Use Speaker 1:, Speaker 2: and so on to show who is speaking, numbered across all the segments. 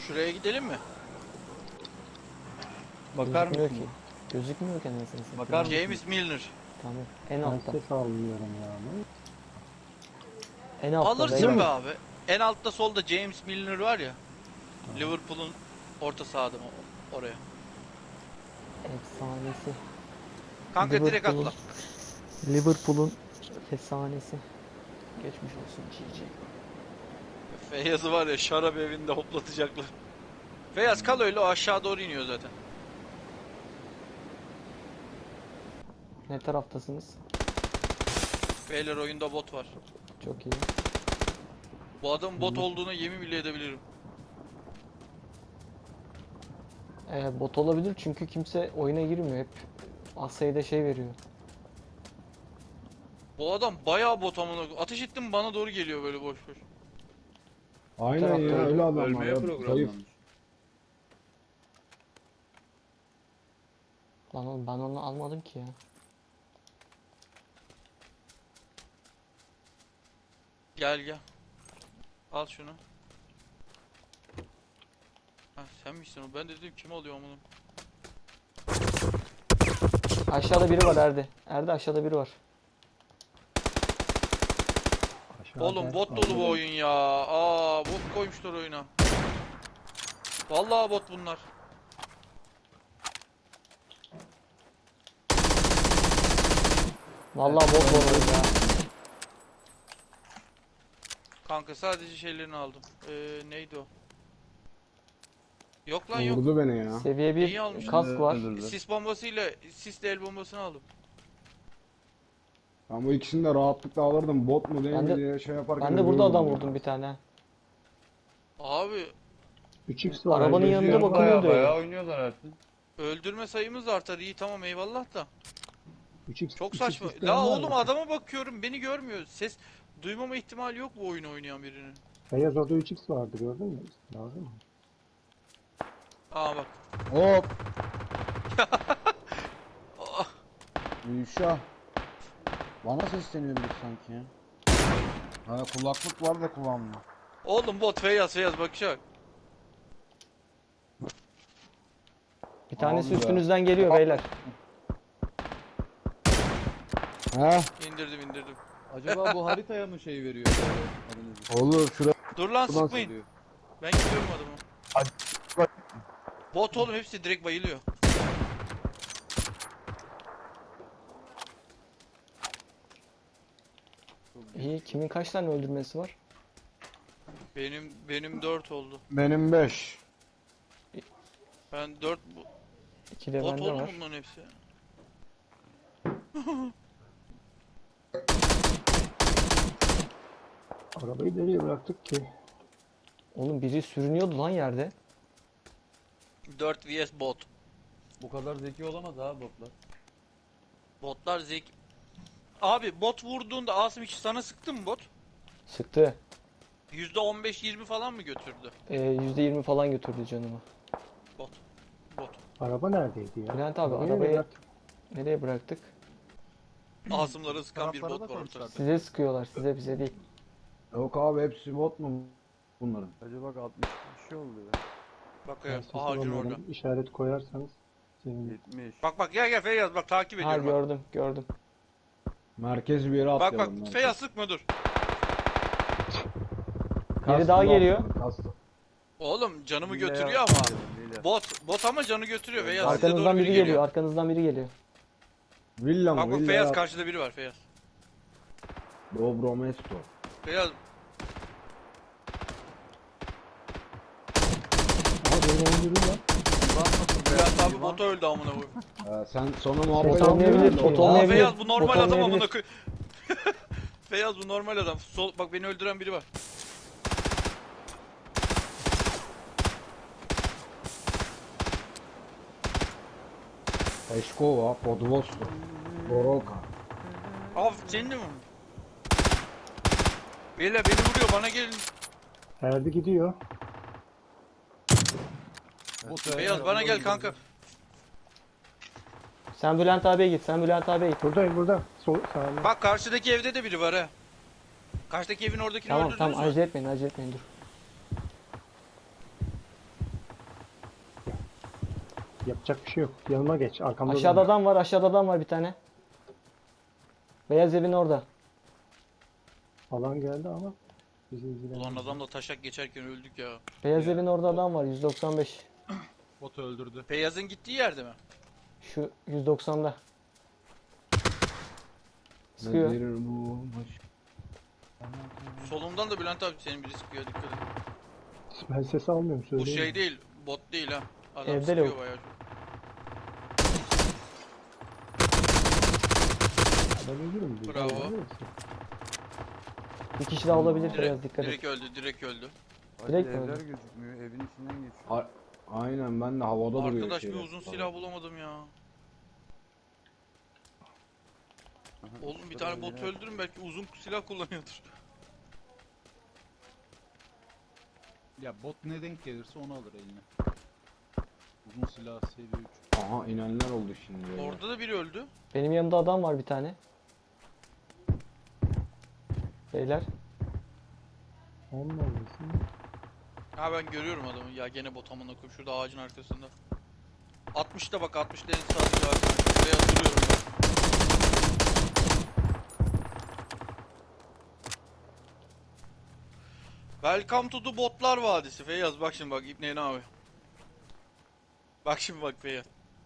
Speaker 1: Şuraya gidelim mi?
Speaker 2: Bakar
Speaker 3: Gözükmüyor
Speaker 2: mısın?
Speaker 3: ki. Gözükmüyor ki anasını satayım.
Speaker 2: Bakar mısın?
Speaker 1: James Milner.
Speaker 3: Tamam. En
Speaker 4: Ben
Speaker 3: altta.
Speaker 4: ses almıyorum yani.
Speaker 3: En altta
Speaker 1: Alırsın
Speaker 3: beyler.
Speaker 1: be abi. En altta solda James Milner var ya. Liverpool'un orta sahada mı oraya?
Speaker 3: Efsanesi.
Speaker 1: Kanka direkt
Speaker 3: Liverpool'un-
Speaker 1: atla.
Speaker 3: Liverpool'un efsanesi. Geçmiş olsun GG.
Speaker 1: Feyyaz'ı var ya şarap evinde hoplatacaklar. Feyyaz kal öyle, o aşağı doğru iniyor zaten.
Speaker 3: Ne taraftasınız?
Speaker 1: Beyler oyunda bot var.
Speaker 3: Çok iyi.
Speaker 1: Bu adam bot olduğuna yemin bile edebilirim.
Speaker 3: Bot olabilir çünkü kimse oyuna girmiyor. Hep az sayıda şey veriyor.
Speaker 1: Bu adam bayağı bot amına. Ateş ettim bana doğru geliyor böyle boş boş.
Speaker 4: Aynen
Speaker 3: tarafta
Speaker 4: ya
Speaker 3: öldü.
Speaker 4: öyle adamlar
Speaker 2: Ölmeye
Speaker 4: ya. Zayıf.
Speaker 2: programlanmış.
Speaker 3: Lan oğlum ben onu almadım ki ya.
Speaker 1: Gel gel. Al şunu. Ha sen misin o? Ben de dedim kim alıyor amına.
Speaker 3: Aşağıda biri var Erdi. Erdi aşağıda biri var.
Speaker 4: Aşağıda
Speaker 1: Oğlum bot dolu bu oyun ya. Aa bot koymuşlar oyuna. Vallahi bot bunlar.
Speaker 3: Vallahi bot var orada ya.
Speaker 1: Kanka sadece şeylerini aldım. Neydi o? Yok lan yok.
Speaker 4: Vurdu beni ya.
Speaker 3: Seviye
Speaker 1: İyi
Speaker 3: 1
Speaker 1: almış.
Speaker 3: kask var.
Speaker 2: Öldürdü.
Speaker 1: Sis bombasıyla sisle el bombasını aldım.
Speaker 4: Ben bu ikisini de rahatlıkla alırdım. Bot mu değil
Speaker 3: Ben
Speaker 4: mi
Speaker 3: de-
Speaker 4: diye şey yaparken
Speaker 3: Ben de burada adam
Speaker 4: ölüyordum
Speaker 3: vurdum bir tane.
Speaker 1: Abi
Speaker 4: 3x var.
Speaker 3: Arabanın
Speaker 4: geziyor.
Speaker 3: yanında bakın. bakılıyordu
Speaker 2: Bayağı
Speaker 3: öyle.
Speaker 2: bayağı oynuyorlar artık.
Speaker 1: öldürme sayımız artar, iyi tamam eyvallah da.
Speaker 4: 3x,
Speaker 1: Çok
Speaker 4: 3x
Speaker 1: saçma.
Speaker 4: isteyen
Speaker 1: La
Speaker 4: var
Speaker 1: oğlum
Speaker 4: mı?
Speaker 1: adama bakıyorum beni görmüyor. Ses duymama ihtimali yok bu oyunu oynayan birinin.
Speaker 4: Beyaz orada 3x vardı gördün mü? Lazım mı?
Speaker 1: Aa bak.
Speaker 5: Hop.
Speaker 1: Ah,
Speaker 5: Gülşah. Bana sesleniyor biri sanki ya. Ha kulaklık var da kulağımda.
Speaker 1: oğlum bot Feyyaz bakacak.
Speaker 3: Bir tanesi
Speaker 5: Abi ya.
Speaker 3: üstünüzden geliyor beyler.
Speaker 5: He?
Speaker 1: İndirdim.
Speaker 2: Acaba bu haritaya mı şey veriyor? Adınızı?
Speaker 5: Olur şuraya.
Speaker 1: Dur lan
Speaker 5: Buradan
Speaker 1: sıkmayın.
Speaker 2: Diyor.
Speaker 1: Ben gidiyorum adamı.
Speaker 5: Hadi, bak.
Speaker 1: Bot oğlum hepsi direkt bayılıyor.
Speaker 3: İyi. Kimin kaç tane öldürmesi var?
Speaker 1: Benim 4 oldu.
Speaker 5: Benim 5.
Speaker 1: Ben 4
Speaker 3: İki de
Speaker 1: bot
Speaker 3: bende
Speaker 1: oğlum
Speaker 3: var.
Speaker 1: bunların hepsi.
Speaker 4: Arabayı nereye bıraktık ki?
Speaker 3: Oğlum biri sürünüyordu lan yerde.
Speaker 1: 4 vs bot.
Speaker 2: Bu kadar zeki olamaz abi botlar.
Speaker 1: Botlar Abi bot vurduğunda Asım hiç sana sıktı mı bot?
Speaker 3: Sıktı.
Speaker 1: %15-20 falan mı götürdü?
Speaker 3: %20 falan götürdü canımı.
Speaker 1: Bot.
Speaker 4: Araba neredeydi ya?
Speaker 3: Bülent abi
Speaker 4: Arabayı nereye
Speaker 3: arabayı
Speaker 4: bıraktık?
Speaker 3: nereye bıraktık?
Speaker 1: Asımlara sıkan bir
Speaker 5: Taraflara
Speaker 1: bot
Speaker 5: da
Speaker 1: var
Speaker 5: koymuşlar.
Speaker 1: ortada.
Speaker 3: Size sıkıyorlar, size bize değil.
Speaker 4: Yok abi hepsi bot mu bunların?
Speaker 5: Acaba bak 60 bir şey oldu ya.
Speaker 1: Bak
Speaker 4: Ben
Speaker 1: ya
Speaker 4: siz
Speaker 1: ağacın
Speaker 4: olanların
Speaker 1: orada.
Speaker 4: işaret koyarsanız sevinirim.
Speaker 2: 70.
Speaker 1: Bak gel Feyyaz bak takip
Speaker 3: Ha
Speaker 1: ediyorum. Bak
Speaker 3: gördüm.
Speaker 4: Merkez bir yere
Speaker 1: bak,
Speaker 4: atlayalım.
Speaker 1: bak Feyyaz sıkma dur.
Speaker 3: Biri daha geliyor.
Speaker 1: Oğlum canımı
Speaker 2: Hile
Speaker 1: götürüyor
Speaker 2: yaptı
Speaker 1: ama.
Speaker 2: dedim, hile.
Speaker 1: Bot ama canı götürüyor Feyyaz size
Speaker 3: Arkanızdan
Speaker 1: doğru
Speaker 3: biri geliyor, arkanızdan biri geliyor.
Speaker 4: Villa mı?
Speaker 1: Bak
Speaker 4: Villa
Speaker 1: Feyyaz
Speaker 4: ya.
Speaker 1: karşıda biri var Feyyaz.
Speaker 4: Dobro mesto.
Speaker 1: Feyyaz
Speaker 4: Ama beni öldürdün lan.
Speaker 1: Bülent abi bota öldü amına koyayım.
Speaker 4: Sen sonra muhabbet
Speaker 3: Bot olmayabilir,
Speaker 4: etmiyorsun
Speaker 3: bot
Speaker 4: da.
Speaker 1: Aa
Speaker 3: olmayabilir.
Speaker 1: Feyyaz bu normal
Speaker 3: Bot
Speaker 1: adam amına
Speaker 3: olmayabilir.
Speaker 1: koyayım. Feyyaz bu normal adam. Sol bak beni öldüren biri var.
Speaker 4: Eşkova, Podvosto, Goroka.
Speaker 1: Abi senin de mi? Beyler beni vuruyor bana gelin.
Speaker 4: Erdi gidiyor.
Speaker 1: Beyaz bana gel kanka.
Speaker 3: Sen Bülent abiye git, sen Bülent abiye git.
Speaker 4: Buradayım burada. Sol sağında.
Speaker 1: Bak karşıdaki evde de biri var ha. Karşıdaki evin oradakini
Speaker 3: Tamam
Speaker 1: öldürdünüz
Speaker 3: tamam
Speaker 1: mü?
Speaker 3: acele etmeyin dur.
Speaker 4: Yapacak bir şey yok. Yanıma geç. Arkamda
Speaker 3: Aşağıda
Speaker 4: durma.
Speaker 3: adam var, aşağıda adam var bir tane. Beyaz evin orada.
Speaker 4: Alan geldi ama bizi ilgilendirmiyor.
Speaker 1: Ulan adamla taşak geçerken öldük ya.
Speaker 3: Beyaz evin orada adam var 195.
Speaker 2: Botu öldürdü.
Speaker 1: Feyyaz'ın gittiği yerde mi?
Speaker 3: Şu 190'da. Sıkıyor.
Speaker 5: Nedir bu?
Speaker 1: Solumdan da Bülent abi senin biri sıkıyor, dikkat et.
Speaker 4: Ben ses almıyorum
Speaker 1: Bu
Speaker 4: söyleyeyim.
Speaker 1: şey değil, bot değil ha. Adam
Speaker 3: Evde
Speaker 1: sıkıyor
Speaker 3: lavuk.
Speaker 1: bayağı.
Speaker 4: Ben ölürüm. diye.
Speaker 1: Bravo.
Speaker 4: Biliyor musun?
Speaker 3: Bir kişi daha olabilir Beyaz,
Speaker 1: Direkt,
Speaker 3: dikkat et.
Speaker 1: direkt öldü, direkt öldü.
Speaker 3: Direkt
Speaker 5: Hadi
Speaker 3: mi
Speaker 5: evler
Speaker 3: öldü?
Speaker 5: gözükmüyor. Evin içinden geçiyor. Aynen ben de havada duruyor
Speaker 1: Arkadaş bir
Speaker 5: şeyler.
Speaker 1: uzun silah bulamadım ya. Oğlum bir tane bot öldürün, belki uzun silah kullanıyordur.
Speaker 2: Ya bot ne denk gelirse onu alır eline. Uzun silah seviye 3.
Speaker 5: Aha inenler oldu şimdi. böyle.
Speaker 1: Orada da biri öldü.
Speaker 3: Benim yanımda adam var bir tane. Beyler.
Speaker 4: Onun olmasın.
Speaker 1: Ha ben görüyorum adamı ya, gene bot amına koyayım, şurada ağacın arkasında. 60'ta bak, 60'ta en sağdaki ağacın. Şuraya duruyorum ben. Welcome to the Botlar Vadisi. Feyyaz bak şimdi, bak İbni ne abi. Bak şimdi bak Feyyaz.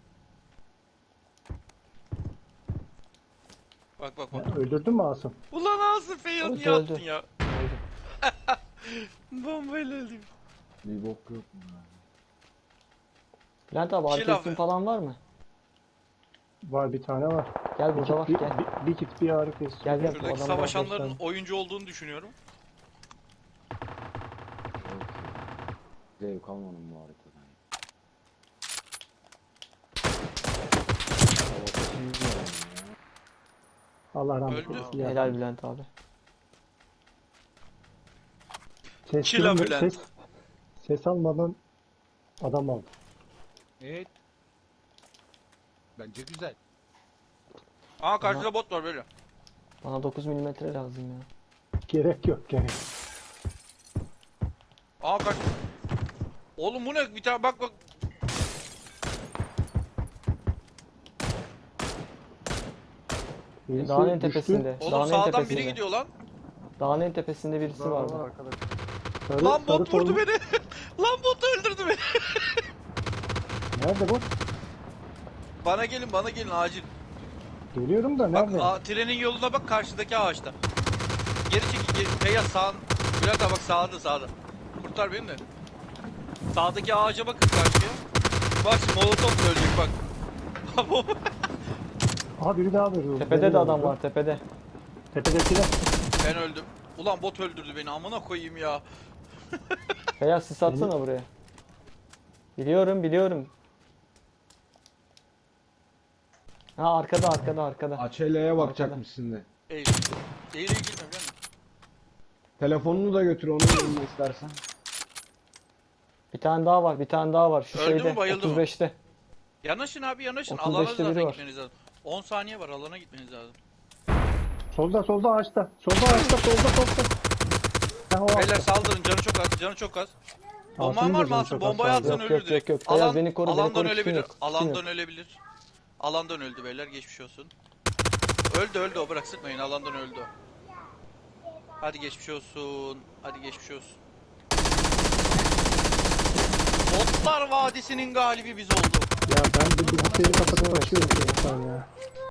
Speaker 1: Bak bak bak.
Speaker 4: Ya, öldürdün mü Asım?
Speaker 1: Ulan Asım, Feyyaz
Speaker 3: Öldü,
Speaker 1: niye
Speaker 3: öldü.
Speaker 1: attın ya?
Speaker 3: Öldü.
Speaker 1: Bombayla öldüm.
Speaker 5: Bir bok yok mu ya?
Speaker 3: Bülent abi
Speaker 1: Chill
Speaker 3: arkasın
Speaker 1: abi.
Speaker 3: falan var mı?
Speaker 4: Var bir tane var.
Speaker 3: Gel burada var
Speaker 4: Bir,
Speaker 3: gel.
Speaker 4: bir kit bir ağrı kesici.
Speaker 3: Gel, gel. Bu
Speaker 1: Şuradaki
Speaker 3: adamlar
Speaker 1: savaşanların
Speaker 3: gösterdi.
Speaker 1: oyuncu olduğunu düşünüyorum.
Speaker 5: Yok ya. Zevk almadım bu haritadan. Havada çizmiyorum ya.
Speaker 4: Allah rahmet
Speaker 1: Öldü.
Speaker 4: eylesin. ya.
Speaker 3: Helal Bülent abi.
Speaker 4: Ses,
Speaker 1: Çila
Speaker 4: duyma-
Speaker 1: Bülent.
Speaker 4: ses almadan adam aldı.
Speaker 2: Evet. Bence güzel.
Speaker 1: Aa karşıda bot var böyle.
Speaker 3: Bana 9 milimetre lazım ya.
Speaker 4: Gerek yok gerek.
Speaker 1: Aa kaç. Oğlum bu ne? Bir tane bak bak.
Speaker 4: Birisi
Speaker 3: Dağın en
Speaker 4: düştü.
Speaker 3: tepesinde.
Speaker 1: Oğlum
Speaker 3: Dağın en
Speaker 1: sağdan
Speaker 3: tepesinde.
Speaker 1: biri gidiyor lan.
Speaker 3: Dağın en tepesinde birisi vardı.
Speaker 5: arkadaş.
Speaker 4: Sarı,
Speaker 1: Lan
Speaker 4: sarı
Speaker 1: bot vurdu
Speaker 4: formu-
Speaker 1: beni. Lan bot öldürdü beni.
Speaker 4: Nerede bu?
Speaker 1: Bana gelin acil.
Speaker 4: Geliyorum da
Speaker 1: Bak
Speaker 4: nerede?
Speaker 1: trenin yoluna bak, karşıdaki ağaçta. Geri çekil, geri. Feyyaz sağ. Bülent abi bak, sağda. Kurtar beni de. Sağdaki ağaca bakın karşıya. Bak şimdi molotof ölecek bak.
Speaker 4: Aha biri daha veriyor.
Speaker 3: Tepede de adam var tepede.
Speaker 4: Tepedekiler.
Speaker 1: Ben öldüm. Ulan bot öldürdü beni, amına koyayım ya.
Speaker 3: Beyaz sis atsana buraya. Biliyorum. Ha arkada.
Speaker 5: Açelya'ya bakacakmışsın de.
Speaker 1: Eğil. Eğil gitme biliyor musun?
Speaker 5: Telefonunu da götür onu yanına istersen.
Speaker 3: Bir tane daha var. Şu
Speaker 1: Öldü mü,
Speaker 3: şeyde
Speaker 1: bayıldı mı?
Speaker 3: 35'te.
Speaker 1: Yanaşın abi yanaşın.
Speaker 3: 35'te
Speaker 1: Alana
Speaker 3: biri
Speaker 1: zaten
Speaker 3: var.
Speaker 1: gitmeniz lazım. 10 saniye var, alana gitmeniz lazım.
Speaker 4: Solda ağaçta. Solda. Ha, o
Speaker 1: Beyler
Speaker 4: ağaçta.
Speaker 1: saldırın, canı çok az. Bomban
Speaker 4: Asım'ın da
Speaker 1: var mı
Speaker 4: canı
Speaker 1: Asım?
Speaker 4: çok az
Speaker 1: Bombayı
Speaker 4: kaldı.
Speaker 1: atsan
Speaker 3: Yok,
Speaker 1: ölür
Speaker 3: yok,
Speaker 1: direkt.
Speaker 3: yok. Beyaz beni koru, beni
Speaker 1: Alandan
Speaker 3: koru,
Speaker 1: ölebilir.
Speaker 3: kim yok, kim
Speaker 1: Alandan
Speaker 3: yok.
Speaker 1: ölebilir. Alandan öldü beyler, geçmiş olsun. Öldü o, bırak sıkmayın, alandan öldü o. Hadi geçmiş olsun. Botlar Vadisi'nin galibi biz oldu.
Speaker 4: Ya ben bir bilgisayarı kapatıp açıyorum şu an ya.